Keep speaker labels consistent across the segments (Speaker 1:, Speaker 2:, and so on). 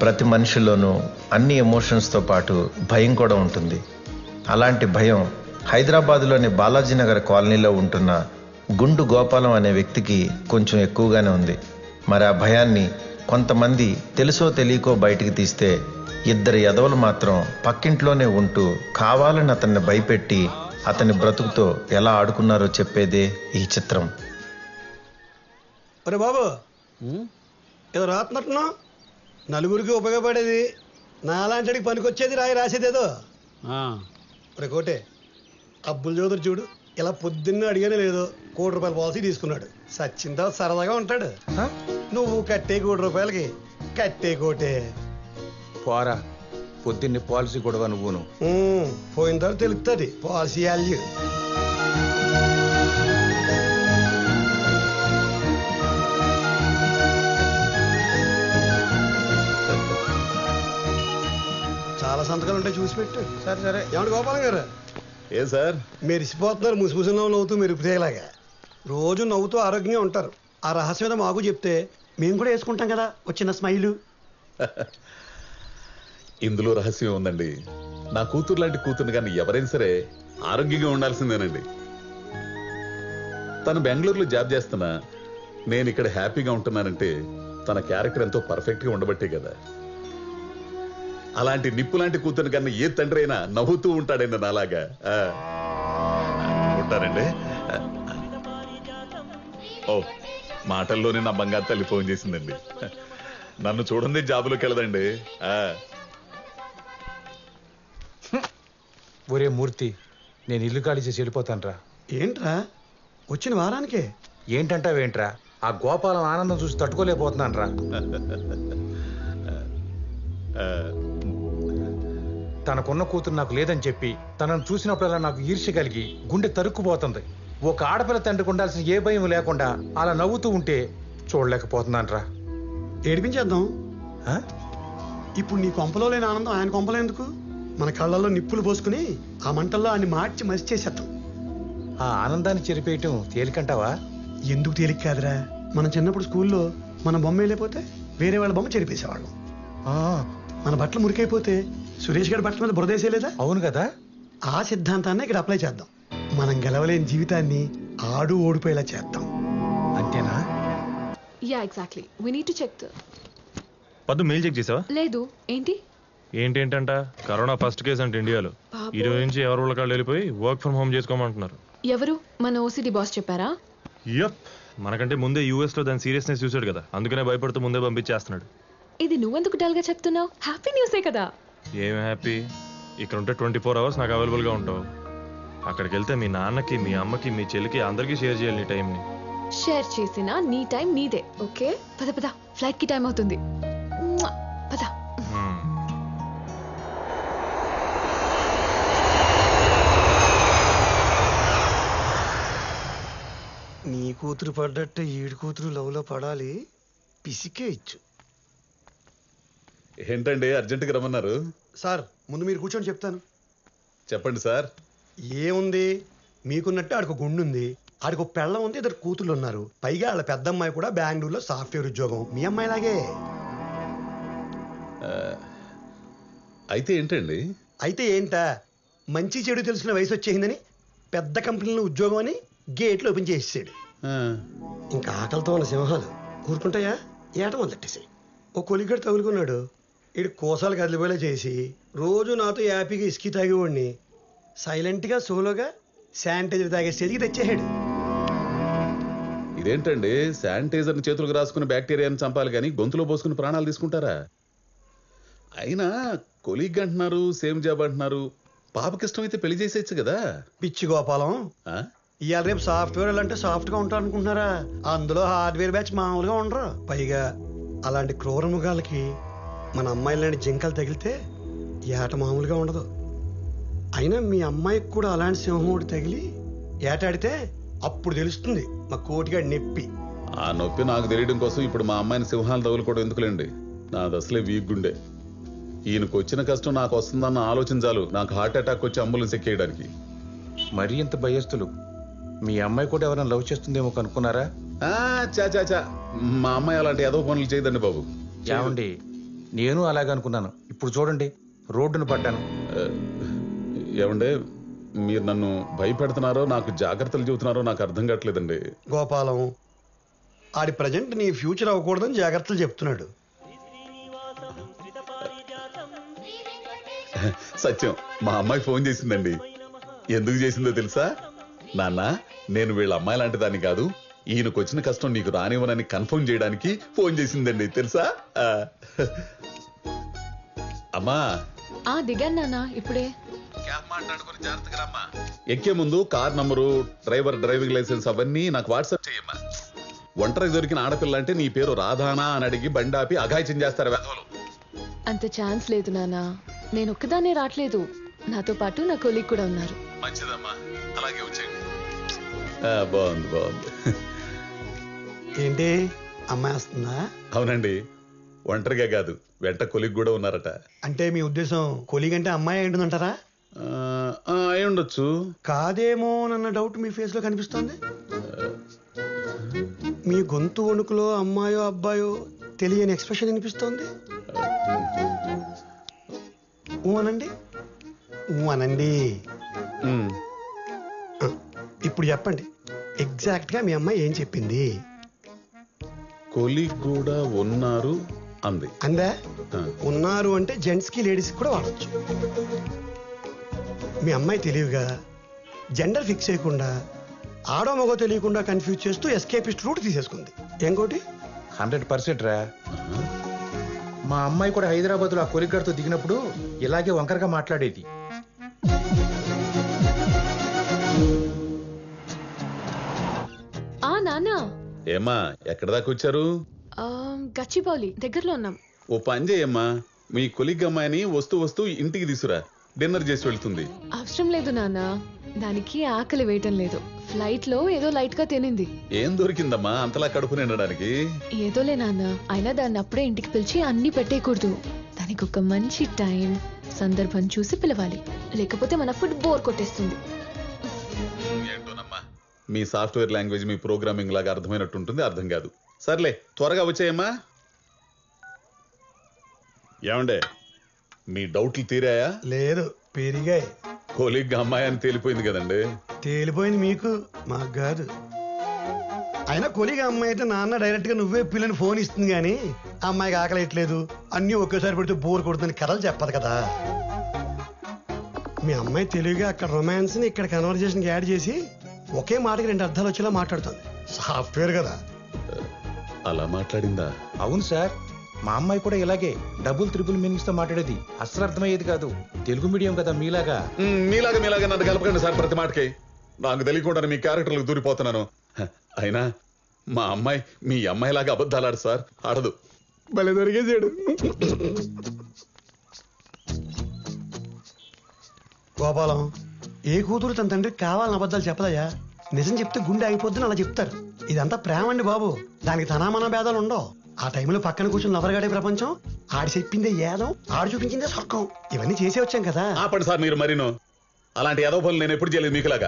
Speaker 1: ప్రతి మనిషిలోనూ అన్ని ఎమోషన్స్తో పాటు భయం కూడా ఉంటుంది. అలాంటి భయం హైదరాబాదులోని బాలాజీనగర్ కాలనీలో ఉంటున్న గుండు గోపాలం అనే వ్యక్తికి కొంచెం ఎక్కువగానే ఉంది. మరి ఆ భయాన్ని కొంతమంది తెలుసో తెలియకో బయటికి తీస్తే, ఇద్దరు ఎదవలు మాత్రం పక్కింట్లోనే ఉంటూ కావాలని అతన్ని భయపెట్టి అతని బ్రతుకుతో ఎలా ఆడుకున్నారో చెప్పేదే ఈ చిత్రం.
Speaker 2: అరే బాబు, ఏదో రాత్నట్టున్నా నలుగురికి ఉపయోగపడేది, నాలాంటికి పనికొచ్చేది రాసేదేదో. రే కోటే, అబ్బుల్ చౌదరి చూడు, ఇలా పొద్దున్న అడిగానే లేదో ₹1,00,00,000 పాలసీ తీసుకున్నాడు. సచ్చిన తర్వాత సరదాగా ఉంటాడు. నువ్వు కట్టే ₹1,00,00,000కి కట్టే కోటే
Speaker 3: పోరా, పొద్దున్నే పాలసీ గొడవ నువ్వును.
Speaker 2: పోయిన తర్వాత తెలుస్తుంది పాలసీ వాల్యూ. చాలా సంతకాలు ఉంటాయి, చూసి పెట్టు.
Speaker 4: సరే సరే.
Speaker 2: ఏమంటే గోపాలం గారు,
Speaker 4: ఏ సార్
Speaker 2: మెరిసిపోతున్నారు ముసిముసిలో నవ్వుతూ మెరుపుతేలాగా. రోజు నవ్వుతూ ఆరోగ్యంగా ఉంటారు. ఆ రహస్యం ఏదో మాకు చెప్తే మేము కూడా వేసుకుంటాం కదా వచ్చిన స్మైలు.
Speaker 4: ఇందులో రహస్యం ఉందండి. నా కూతురు లాంటి కూతురు కానీ ఎవరైనా సరే ఆరోగ్యంగా ఉండాల్సిందేనండి. తను బెంగళూరులో జాబ్ చేస్తున్నా నేను ఇక్కడ హ్యాపీగా ఉంటున్నానంటే తన క్యారెక్టర్ ఎంతో పర్ఫెక్ట్ గా ఉండబట్టే కదా. అలాంటి నిప్పు లాంటి కూతురు కన్నా ఏ తండ్రి అయినా నవ్వుతూ ఉంటాడండి నాలాగా. ఉంటారండి. ఓ, మాటల్లోనే నా బంగారు తల్లి ఫోన్ చేసిందండి. నన్ను చూడండి జాబులోకి వెళ్ళదండి.
Speaker 3: ఒరే మూర్తి, నేను ఇల్లు ఖాళీ చేసి వెళ్ళిపోతానురా.
Speaker 2: ఏంట్రా వచ్చిన వారానికే?
Speaker 3: ఏంటంటావేంట్రా, ఆ గోపాలం ఆనందం చూసి తట్టుకోలేకపోతున్నానురా. తనకున్న కూతురు నాకు లేదని చెప్పి తనను చూసినప్పుడల్లా నాకు ఈర్ష్య కలిగి గుండె తరుక్కుపోతుంది. ఒక ఆడపిల్ల తండ్రికి ఉండాల్సిన ఏ భయం లేకుండా అలా నవ్వుతూ ఉంటే చూడలేకపోతున్నానురా.
Speaker 2: ఏడిపించేద్దాం. ఇప్పుడు నీ కొంపలో లేని ఆనందం ఆయన కొంపలో ఎందుకు? మన కళ్ళల్లో నిప్పులు పోసుకుని ఆ మంటల్లో ఆయన మార్చి మసి చేసేద్దాం.
Speaker 3: ఆ ఆనందాన్ని చెరిపేయటం తేలికంటావా?
Speaker 2: ఎందుకు తేలిక కాదురా, మనం చిన్నప్పుడు స్కూల్లో మన బొమ్మ వెళ్ళిపోతే వేరే వాళ్ళ బొమ్మ చెరిపేసేవాళ్ళం. మన బట్టలు మురికైపోతే సురేష్ గారి బట్టల మీద బురదేసేలేదా?
Speaker 3: అవును కదా.
Speaker 2: ఆ సిద్ధాంతాన్ని ఇక్కడ అప్లై చేద్దాం. మనం గెలవలేని జీవితాన్ని ఆడు ఓడిపోయేలా చేద్దాం.
Speaker 3: అంతేనా?
Speaker 5: Yeah exactly. We need to check.
Speaker 6: Paddu mail check చేసావా?
Speaker 5: లేదు. ఏంటి
Speaker 6: ఏంటంట? కరోనా ఫస్ట్ కేసు అంటే ఇండియాలో. ఈ రోజు నుంచి ఎవరు వాళ్ళ కాళ్ళు వెళ్ళిపోయి వర్క్ ఫ్రమ్ హోమ్ చేసుకోమంటున్నారు.
Speaker 5: ఎవరు? మన ఓసిడి బాస్ చెప్పారా?
Speaker 6: యప్, మనకంటే ముందే యూఎస్ లో దాని సీరియస్నెస్ చూసాడు కదా, అందుకనే భయపడుతూ ముందే పంపించేస్తున్నాడు.
Speaker 5: ఇది నువ్వెందుకు డల్ గా చెప్తున్నావు? హ్యాపీ న్యూసే కదా.
Speaker 6: ఏం హ్యాపీ? ఇక్కడ ఉంటే 24 hours నాకు అవైలబుల్ గా ఉంటావు. అక్కడికి వెళ్తే మీ నాన్నకి, మీ అమ్మకి, మీ చెల్లికి అందరికీ షేర్ చేయాలి నీ టైంని.
Speaker 5: షేర్ చేసినా నీ టైం నీదే. ఓకే, పద పద, ఫ్లైట్ కి టైం అవుతుంది. పద.
Speaker 2: నీ కూతురు పడ్డట్టే ఈడు కూతురు లవ్లో పడాలి. పిసికే ఇచ్చు.
Speaker 4: ఏంటండి అర్జెంటుగా రమ్మన్నారు?
Speaker 2: సార్ ముందు మీరు కూర్చొని చెప్తాను.
Speaker 4: చెప్పండి సార్.
Speaker 2: ఏముంది, మీకున్నట్టు ఆడికి గుండు ఉంది, ఆడికి పెళ్ళం ఉంది, ఇద్దరు కూతుళ్ళు ఉన్నారు. పైగా వాళ్ళ పెద్ద అమ్మాయి కూడా బెంగళూరులో సాఫ్ట్వేర్ ఉద్యోగం. మీ అమ్మాయిలాగే.
Speaker 4: అయితే ఏంటండి?
Speaker 2: అయితే ఏంటా, మంచి చెడు తెలిసిన వయసు వచ్చేసిందని పెద్ద కంపెనీలో ఉద్యోగం అని గేట్లు ఓపెన్ చేసేసాడు. ఇంకా ఆకలితో ఉన్న సింహాలు ఊరుకుంటాయా? ఏట మొదలెట్టేసాయి. ఓ కొలిగడు తగులుకున్నాడు. ఇడు కోసాలు కదిలిపోయేలా చేసి రోజు నాతో హ్యాపీగా ఇసుకి తాగేవాడిని సైలెంట్గా సోలోగా శానిటైజర్ తాగే స్టేజ్కి తెచ్చేసాడు.
Speaker 4: ఇదేంటండి, శానిటైజర్ని చేతులకు రాసుకుని బ్యాక్టీరియాని చంపాలి కానీ గొంతులో పోసుకుని ప్రాణాలు తీసుకుంటారా? అయినా కొలీగ్ అంటున్నారు, సేమ్ జాబ్ అంటున్నారు. పాపకిష్టం అయితే పెళ్లి చేసేయచ్చు కదా.
Speaker 2: పిచ్చి గోపాలం, ఇవాళ రేపు సాఫ్ట్వేర్ అంటే సాఫ్ట్గా ఉంటారు అనుకుంటున్నారా? అందులో హార్డ్వేర్ బ్యాచ్ మామూలుగా ఉండరు. పైగా అలాంటి క్రూర మృగాలకి మన అమ్మాయి లాంటి జింకలు తగిలితే ఏట మామూలుగా ఉండదు. అయినా మీ అమ్మాయికి కూడా అలాంటి సింహం ఒకటి తగిలి ఏటాడితే అప్పుడు తెలుస్తుంది మా కోటిగాడి నొప్పి.
Speaker 4: ఆ నొప్పి నాకు తెలియడం కోసం ఇప్పుడు మా అమ్మాయిని సింహాలు తగులుకోవడం ఎందుకులేండి. నాది అసలే వీక్ గుండె. ఈయనకు వచ్చిన కష్టం నాకు వస్తుందన్న ఆలోచన చాలు నాకు హార్ట్ అటాక్ వచ్చి అంబులెన్స్ ఎక్కేయడానికి.
Speaker 3: మరీ ఇంత భయస్తులు. మీ అమ్మాయి కూడా ఎవరైనా లవ్ చేస్తుందేమో కనుక్కున్నారా?
Speaker 4: చా మా అమ్మాయి అలాంటి ఏదో పనులు చేయదండి బాబు.
Speaker 3: ఏమండి, నేను అలాగే అనుకున్నాను. ఇప్పుడు చూడండి, రోడ్డును పడ్డాను.
Speaker 4: ఏమండే, మీరు నన్ను భయపెడుతున్నారో నాకు జాగ్రత్తలు చెబుతున్నారో నాకు అర్థం కావట్లేదండి.
Speaker 2: గోపాలం ఆడి ప్రజెంట్ నీ ఫ్యూచర్ అవ్వకూడదని జాగ్రత్తలు చెప్తున్నాడు.
Speaker 4: సత్యం, మా అమ్మాయి ఫోన్ చేసిందండి. ఎందుకు చేసిందో తెలుసా? నాన్న, నేను వీళ్ళ అమ్మాయి లాంటి దాన్ని కాదు, ఈయనకు వచ్చిన కష్టం నీకు రానివ్వనని కన్ఫర్మ్ చేయడానికి ఫోన్ చేసిందండి తెలుసా. అమ్మా
Speaker 5: దిగాను నాన్న ఇప్పుడే.
Speaker 4: ఎక్కే ముందు car number, driver driving licence అవన్నీ నాకు వాట్సాప్ చేయమ్మా. ఒంటరికి దొరికిన ఆడపిల్ల అంటే నీ పేరు రాధానా అని అడిగి బండాపి అఘాయిత్యం చేస్తారు వెధవలు.
Speaker 5: అంత ఛాన్స్ లేదు నాన్న. నేను ఒక్కదాన్నే రావట్లేదు, నాతో పాటు నా కొలీగ్ కూడా ఉన్నారు.
Speaker 4: మంచిదమ్మా, అలాగే వచ్చేయండి. బాగుంది బాగుంది.
Speaker 2: ఏంటి అమ్మాయి వస్తుందా?
Speaker 4: అవునండి, ఒంటరిగా కాదు, వెంట కొలిగ్ కూడా ఉన్నారట.
Speaker 2: అంటే మీ ఉద్దేశం కొలీగ్ అంటే అమ్మాయి ఏంటంటారా?
Speaker 4: అయి ఉండొచ్చు.
Speaker 2: కాదేమో అన్న డౌట్ మీ ఫేస్ లో కనిపిస్తోంది. మీ గొంతు వణుకులో అమ్మాయో అబ్బాయో తెలియని ఎక్స్ప్రెషన్ వినిపిస్తోంది. అనండి అనండి. ఇప్పుడు చెప్పండి, ఎగ్జాక్ట్ గా మీ అమ్మాయి ఏం చెప్పింది?
Speaker 4: కొలిగ్ కూడా ఉన్నారు అంది.
Speaker 2: అందా? ఉన్నారు అంటే జెంట్స్ కి లేడీస్ కి కూడా వాడచ్చు. మీ అమ్మాయి తెలివిగా జెండర్ ఫిక్స్ చేయకుండా ఆడో మగో తెలియకుండా కన్ఫ్యూజ్ చేస్తూ ఎస్కేపిస్ట్ రూట్ తీసేసుకుంది. ఇంకోటి
Speaker 3: 100% రా. మా అమ్మాయి కూడా హైదరాబాద్ లో ఆ కొలిగ్గాడితో దిగినప్పుడు ఇలాగే వంకరగా మాట్లాడేది.
Speaker 5: నాన్న.
Speaker 4: ఏమ్మా, ఎక్కడ దాకా వచ్చారు?
Speaker 5: గచ్చిబౌలి దగ్గరలో ఉన్నాం.
Speaker 4: ఓ పని చేయమ్మా, మీ కొలిగ్ అమ్మాయిని వస్తూ వస్తూ ఇంటికి తీసురా, డిన్నర్ చేసి వెళ్తుంది.
Speaker 5: అవసరం లేదు నాన్న, దానికి ఆకలి వేయటం లేదు. ఫ్లైట్ లో ఏదో లైట్ గా తినింది.
Speaker 4: ఏం దొరికిందమ్మా అంతలా కడుపు నిండడానికి?
Speaker 5: ఏదోలే నాన్న, అయినా దాన్ని అప్పుడే ఇంటికి పిలిచి అన్ని పెట్టేయకూడదు. దానికి ఒక మంచి టైం సందర్భం చూసి పిలవాలి, లేకపోతే మన ఫుడ్ బోర్ కొట్టేస్తుంది.
Speaker 4: ఏంటోనమ్మా, మీ సాఫ్ట్వేర్ లాంగ్వేజ్ మీ ప్రోగ్రామింగ్ లాగా అర్థమైనట్టు ఉంటుంది, అర్థం కాదు. సర్లే, త్వరగా వచ్చాయమ్మా. ఏమండే, మీ డౌట్లు తీరాయా?
Speaker 2: లేదు, పెరిగాయి.
Speaker 4: కొలిగ్ అమ్మాయి అని తేలిపోయింది కదండి.
Speaker 2: తేలిపోయింది మీకు, మాకు కాదు. అయినా కొలిగా అమ్మాయి అయితే నాన్న డైరెక్ట్ గా నువ్వే పిల్లని ఫోన్ ఇస్తుంది కానీ అమ్మాయికి ఆకలేయట్లేదు అన్ని ఒకేసారి పెడితే బోర్ కొడుతుంది కథలు చెప్పదు కదా. మీ అమ్మాయి తెలివిగా అక్కడ రొమాన్స్ ని ఇక్కడ కన్వర్జేషన్ యాడ్ చేసి ఒకే మాటకి 2 అర్థాలు వచ్చేలా మాట్లాడుతుంది. సాఫ్ట్వేర్ కదా.
Speaker 4: అలా మాట్లాడిందా?
Speaker 3: అవును సార్, మా అమ్మాయి కూడా ఇలాగే డబుల్ త్రిబుల్ మీనింగ్స్ తో మాట్లాడేది. అస్సలు అర్థమయ్యేది కాదు. తెలుగు మీడియం కదా మీలాగా.
Speaker 4: మీలాగా నన్ను కలపకండి సార్ ప్రతి మాటకి. నాకు తెలియకుండా మీ క్యారెక్టర్లకు దూరిపోతున్నాను. అయినా మా అమ్మాయి మీ అమ్మాయిలాగా అబద్ధాలు ఆడు సార్, ఆడదు.
Speaker 2: భలే దొరికేసాడు. గోపాలం, ఏ కూతురు తన తండ్రికి కావాలని అబద్ధాలు చెప్పదయ్యా. నిజం చెప్తే గుండె అయిపోద్దని అలా చెప్తారు. ఇదంతా ప్రేమ అండి బాబు, దానికి తనామన భేదాలు ఉండవు. ఆ టైంలో పక్కన కూర్చొని నవరగాడే ప్రపంచం, ఆడి చెప్పిందే ఏదం, ఆడు చూపించిందే స్వర్గం. ఇవన్నీ చేసే వచ్చాం కదా.
Speaker 4: ఆపండి సార్ మీరు మరీను. అలాంటి ఏదో పనులు నేను ఎప్పుడు చేయలేదు మీకులాగా.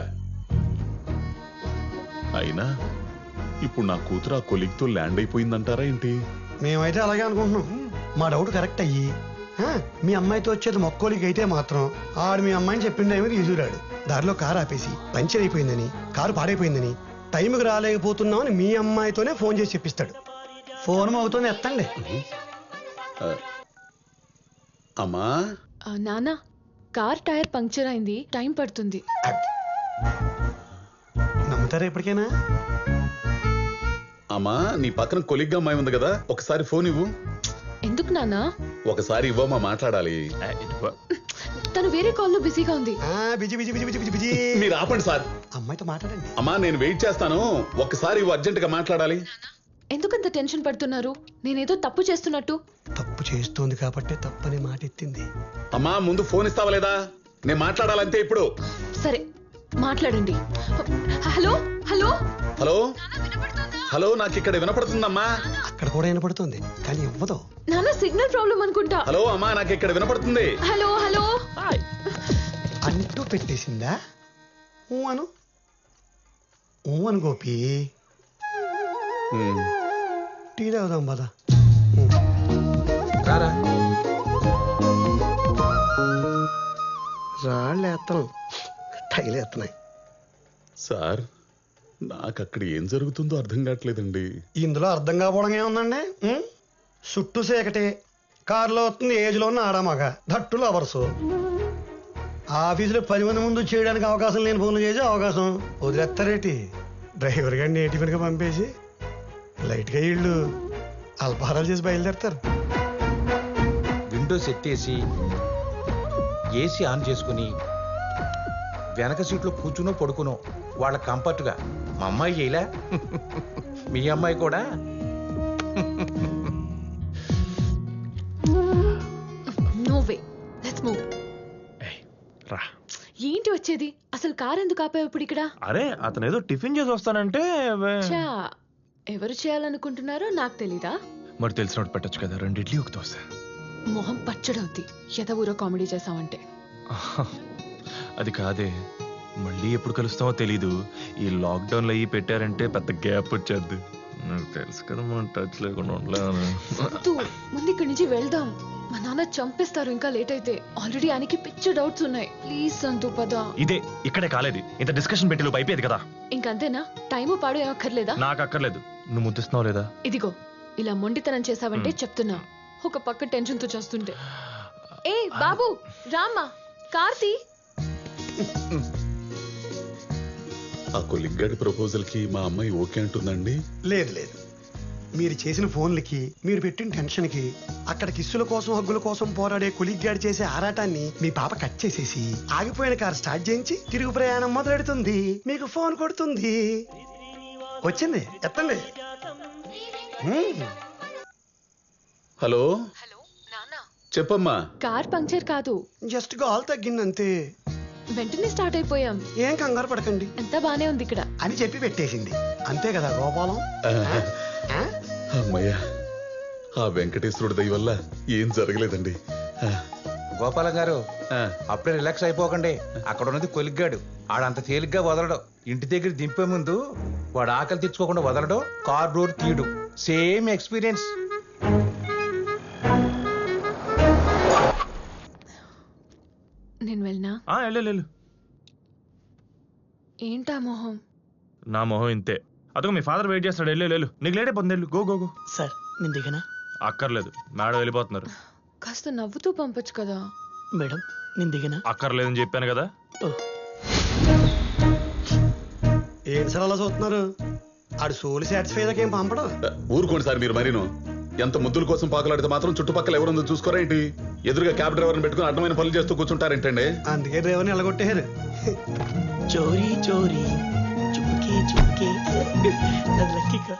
Speaker 4: అయినా ఇప్పుడు నా కూతురు ఆ కొలిగ్తో ల్యాండ్ అయిపోయిందంటారా ఏంటి?
Speaker 2: మేమైతే అలాగే అనుకుంటున్నాం. మా డౌట్ కరెక్ట్ అయ్యి మీ అమ్మాయితో వచ్చేది మొక్కోలికి అయితే మాత్రం ఆడు మీ అమ్మాయిని చెప్పిండే ఏమో తీసుకురాడు. దారిలో కారు ఆపేసి పంచర్ అయిపోయిందని, కారు పాడైపోయిందని, టైంకి రాలేకపోతున్నామని మీ అమ్మాయితోనే ఫోన్ చేసి చెప్పిస్తాడు. ఫోన్ అవుతుంది, ఎత్తండి.
Speaker 4: అమ్మా
Speaker 5: నాన్న, కార్ టైర్ పంక్చర్ అయింది, టైం పడుతుంది.
Speaker 2: నమ్ముతారా ఎప్పటికైనా?
Speaker 4: అమ్మా, నీ పక్కన కొలిగ్గా అమ్మాయి ఉంది కదా, ఒకసారి ఫోన్ ఇవ్వు.
Speaker 5: ఎందుకు నాన్న?
Speaker 4: ఒకసారి ఇవ్వమ్మా, మాట్లాడాలి.
Speaker 5: తను వేరే కాల్లో బిజీగా ఉంది.
Speaker 2: Busy busy busy busy busy.
Speaker 4: మీరు ఆపండి సార్.
Speaker 2: అమ్మాయితో మాట్లాడండి.
Speaker 4: అమ్మా, నేను వెయిట్ చేస్తాను, ఒక్కసారి ఇవ్వు, అర్జెంట్ గా మాట్లాడాలి.
Speaker 5: ఎందుకంత టెన్షన్ పడుతున్నారు? నేనేదో తప్పు చేస్తున్నట్టు.
Speaker 2: తప్పు చేస్తోంది కాబట్టి తప్పని మాట ఎత్తింది.
Speaker 4: అమ్మా, ముందు ఫోన్ ఇస్తావా లేదా? నేను మాట్లాడాలంతే ఇప్పుడు.
Speaker 5: సరే, మాట్లాడండి. హలో హలో
Speaker 4: హలో హలో, నాకు ఇక్కడ వినపడుతుందమ్మా.
Speaker 2: అక్కడ కూడా వినపడుతుంది కానీ ఇవ్వదు.
Speaker 5: నాన్న, సిగ్నల్ ప్రాబ్లం అనుకుంటా.
Speaker 4: హలో అమ్మా, నాకు ఇక్కడ వినపడుతుంది.
Speaker 5: Hello hello.
Speaker 2: అంటూ పెట్టేసిందా? అను అను గోపి.
Speaker 4: ఉమ్.
Speaker 2: టీ తాగుదాం పద.
Speaker 3: రారా.
Speaker 2: రాళ్ళు వేస్తాను, టైలు వేస్తున్నాయి.
Speaker 4: సార్ నాకు అక్కడ ఏం జరుగుతుందో అర్థం కావట్లేదండి.
Speaker 2: ఇందులో అర్థం కాకపోవడం ఏముందండి? చుట్టూ సేకటే, కారులో వస్తుంది ఏజ్లో ఉన్న ఆడామగ, దట్టులు అవర్సు. ఆఫీసులో 10 మంది ముందు చేయడానికి అవకాశం లేని ఫోన్లు చేసే అవకాశం వదిలేస్తారేటి? డ్రైవర్ గారిని నేటిఫిన్గా పంపేసి లైట్గా వీళ్ళు అల్పాహారాలు చేసి బయలుదేరతారు.
Speaker 3: విండోస్ ఎత్తేసి ఏసీ ఆన్ చేసుకుని వెనక సీట్లో కూర్చునో పడుకునో వాళ్ళ కంఫర్ట్గా మా అమ్మాయి చేయలే మీ అమ్మాయి కూడా
Speaker 5: నో వే, లెట్స్ మూవ్.
Speaker 6: రా.
Speaker 5: ఏంటి వచ్చేది? అసలు కార్ ఎందుకు ఆపావు ఇప్పుడు ఇక్కడ?
Speaker 6: అరే అతను ఏదో టిఫిన్ చేసి వస్తానంటే
Speaker 5: చా, ఎవరు చేయాలనుకుంటున్నారో నాకు తెలీదా?
Speaker 6: మరి తెలిసినట్టు పెట్టచ్చు కదా, 2 ఇడ్లీ 1 దోశ.
Speaker 5: మొహం పచ్చడవుద్ది ఎద ఊరో కామెడీ చేసావంటే.
Speaker 6: అది కాదే, మళ్ళీ ఎప్పుడు కలుస్తామో తెలీదు. ఈ లాక్డౌన్ లో అయ్యి పెట్టారంటే పెద్ద గ్యాప్ వచ్చేద్ది. నాకు తెలుసు కదా మనం టచ్ లేకుండా ఉండలేము.
Speaker 5: వద్దు, ముందు ఇక్కడి నుంచి వెళ్దాం. మా నాన్న చంపేస్తారు ఇంకా లేట్ అయితే. ఆల్రెడీ ఆయనకి పిచ్చ డౌట్స్ ఉన్నాయి. ప్లీజ్ సంతు పద.
Speaker 6: ఇదే ఇక్కడే కాలేదు, ఇంత డిస్కషన్ పెట్టి లోపు అయిపోయేది కదా.
Speaker 5: ఇంకంతేనా? టైము పాడు ఏమక్కర్లేదా?
Speaker 6: నాకు అక్కర్లేదు. నువ్వు ముద్దిస్తున్నావు లేదా?
Speaker 5: ఇదిగో ఇలా మొండితనం చేసావంటే చెప్తున్నా, ఒక పక్క టెన్షన్ తో చేస్తుంటే. ఏ బాబు రామ్మా, కార్తీ.
Speaker 4: ఆ కొలిగ్గాడి ప్రపోజల్ కి మా అమ్మాయి ఓకే అంటుందండి.
Speaker 2: లేదు లేదు, మీరు చేసిన ఫోన్లకి, మీరు పెట్టిన టెన్షన్కి, అక్కడ కిస్సుల కోసం హగ్గుల కోసం పోరాడే కొలిగ్గాడి చేసే ఆరాటాన్ని మీ పాప కట్ చేసేసి ఆగిపోయిన కారు స్టార్ట్ చేయించి తిరుగు ప్రయాణం మొదలెడుతుంది. మీకు ఫోన్ కొడుతుంది. వచ్చింది, ఎత్తండి.
Speaker 4: హలో
Speaker 5: హలో నాన్న,
Speaker 4: చెప్పమ్మా.
Speaker 5: కార్ పంక్చర్ కాదు,
Speaker 2: జస్ట్ గాల్ తగ్గిందంతే.
Speaker 5: వెంటనే స్టార్ట్ అయిపోయాం.
Speaker 2: ఏం కంగారు పడకండి
Speaker 5: అంతా బానే ఉంది ఇక్కడ.
Speaker 2: అని చెప్పి పెట్టేసింది. అంతే కదా గోపాలం? ఆ?
Speaker 4: అమ్మయ్యా, ఆ వెంకటేశ్వరుడి దయ వల్ల ఏం జరగలేదండి.
Speaker 3: గోపాలం గారు
Speaker 4: ఆ,
Speaker 3: అప్పుడే రిలాక్స్ అయిపోకండి. అక్కడ ఉన్నది కొలిగ్గాడు, ఆడంత తేలిగ్గా వదలడు. ఇంటి దగ్గర దింపే ముందు వాడు ఆకలి తెచ్చుకోకుండా వదలడు, కార్ డోర్ తీయడు. Same experience.
Speaker 5: నేను వెళ్ళనా?
Speaker 6: వెళ్ళు.
Speaker 5: ఏంటా మొహం?
Speaker 6: నా మొహం ఇంతే. అదొక మీ ఫాదర్ వెయిట్ చేస్తాడు. వెళ్ళు, నీకు లేట్ అయిపోతుంది. వెళ్ళు, గో గో గో.
Speaker 2: సార్ నేను దిగనా?
Speaker 6: అక్కర్లేదు, మేడం వెళ్ళిపోతున్నారు.
Speaker 5: కాస్త నవ్వుతూ పంపొచ్చు కదా.
Speaker 2: మేడం నేను దిగనా?
Speaker 6: అక్కర్లేదని చెప్పాను కదా.
Speaker 2: ఏం సార్ అలా చూస్తున్నారు? ఆడు సోలు సాటిస్ఫై ఏం పంపడం.
Speaker 4: ఊరుకోండి సార్ మీరు మరీను. ఎంత ముద్దుల కోసం పాకులాడితే మాత్రం చుట్టుపక్కల ఎవరుందో చూసుకోరా ఏంటి? ఎదురుగా క్యాబ్ డ్రైవర్ని పెట్టుకుని అడ్డమైన పనులు చేస్తూ కూర్చుంటారేంటండి?
Speaker 2: అందుకే డ్రైవర్ని ఎలగొట్టేశారు.
Speaker 7: చోరీ చోరీ చుమ్కే చుమ్కే లక్కీ కార్.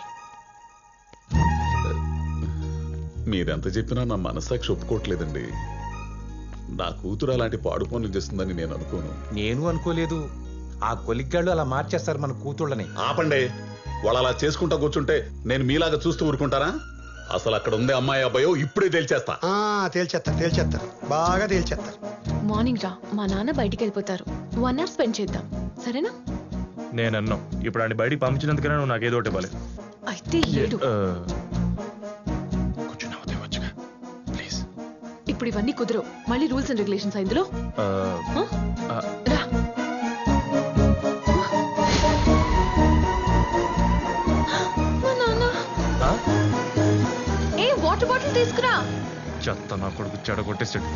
Speaker 4: మీరెంత చెప్పినా నా మనస్సాక్షి ఒప్పుకోవట్లేదండి. నా కూతురు అలాంటి పాడు పనులు చేస్తుందని నేను అనుకోను.
Speaker 3: నేను అనుకోలేదు. ఆ కొలిగ్గాళ్ళు అలా మార్చేస్తారు మన కూతుళ్ళని.
Speaker 4: ఆపండి. వాళ్ళు అలా చేసుకుంటా కూర్చుంటే నేను మీలాగా చూస్తూ ఊరుకుంటారా? అసలు అక్కడ ఉంది అమ్మాయి అబ్బాయో ఇప్పుడే తేల్చేస్తా.
Speaker 2: తేల్చేస్తారు, బాగా తేల్చేస్తారు.
Speaker 5: మార్నింగ్ రా, మా నాన్న బయటికి వెళ్ళిపోతారు. 1 hour స్పెండ్ చేద్దాం, సరేనా?
Speaker 6: నేను అన్నాం ఇప్పుడు ఆయన బయటికి పంపించినందుకనే నువ్వు నాకు ఏదో ఒకటి ఇవ్వాలి.
Speaker 5: అయితే ఏడు.
Speaker 6: కొంచెం నవ్వుతే వచ్చుగా ప్లీజ్.
Speaker 5: ఇప్పుడు ఇవన్నీ కుదరవు. మళ్ళీ రూల్స్ అండ్ రెగ్యులేషన్స్ ఇందులో. రా. మా నాన్న. ఏ వాటర్ బాటిల్ తీసుకురా.
Speaker 6: చెత్త నా కొడుకు చెడగొట్టేసాడు.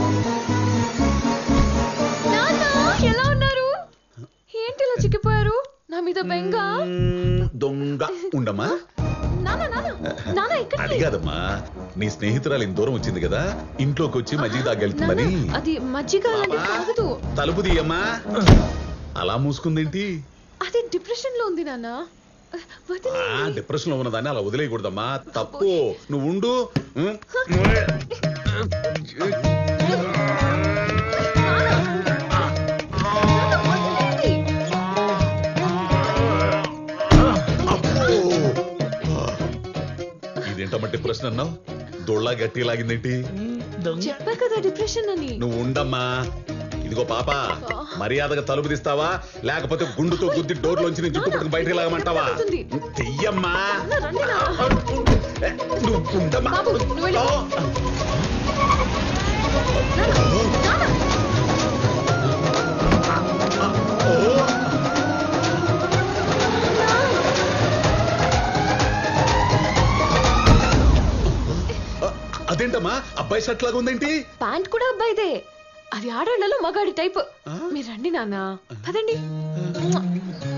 Speaker 5: నాన్న ఎలా ఉన్నారు? ఏంటి ఇలా చిక్కిపోయారు? నా మీద బెంగ.
Speaker 4: దొంగ ఉండమ్మా.
Speaker 5: నాన్న ఇక్కడ
Speaker 4: అది కాదమ్మా, నీ స్నేహితురాలు ఇంత దూరం వచ్చింది కదా, ఇంట్లోకి వచ్చి మజ్జిగ తాగెళ్తుందని.
Speaker 5: అది మజ్జిగ అలాంటిది కాదు.
Speaker 4: తలుపు తీయమ్మా. అలా మూసుకుందేంటి?
Speaker 5: అది డిప్రెషన్ లో ఉంది నాన్న.
Speaker 4: డిప్రెషన్ లో ఉన్నదాన్ని అలా వదిలేయకూడదమ్మా, తప్పు. నువ్వు ఉండు. ఇదేంటమ్మా డిప్రెషన్ అన్నావు? దొళ్ళ గట్టి లాగిందేంటి?
Speaker 5: చెప్పా కదా డిప్రెషన్ అని.
Speaker 4: నువ్వు ఉండమ్మా. ఇదిగో పాప, మర్యాదగా తలుపు తీస్తావా లేకపోతే గుండుతో గుద్ది డోర్లోంచి నీ జుట్టు పట్టుకుని బయటకు లాగమంటావా? తెయ్యమ్మా. నువ్వు ఉండమ్మా. అదేంటమ్మా అబ్బాయి షర్ట్ లాగా ఉందేంటి?
Speaker 5: ప్యాంట్ కూడా అబ్బాయిదే. అది ఆడాళ్లలో మగాడి టైప్. మీరు రండి నాన్న, పదండి.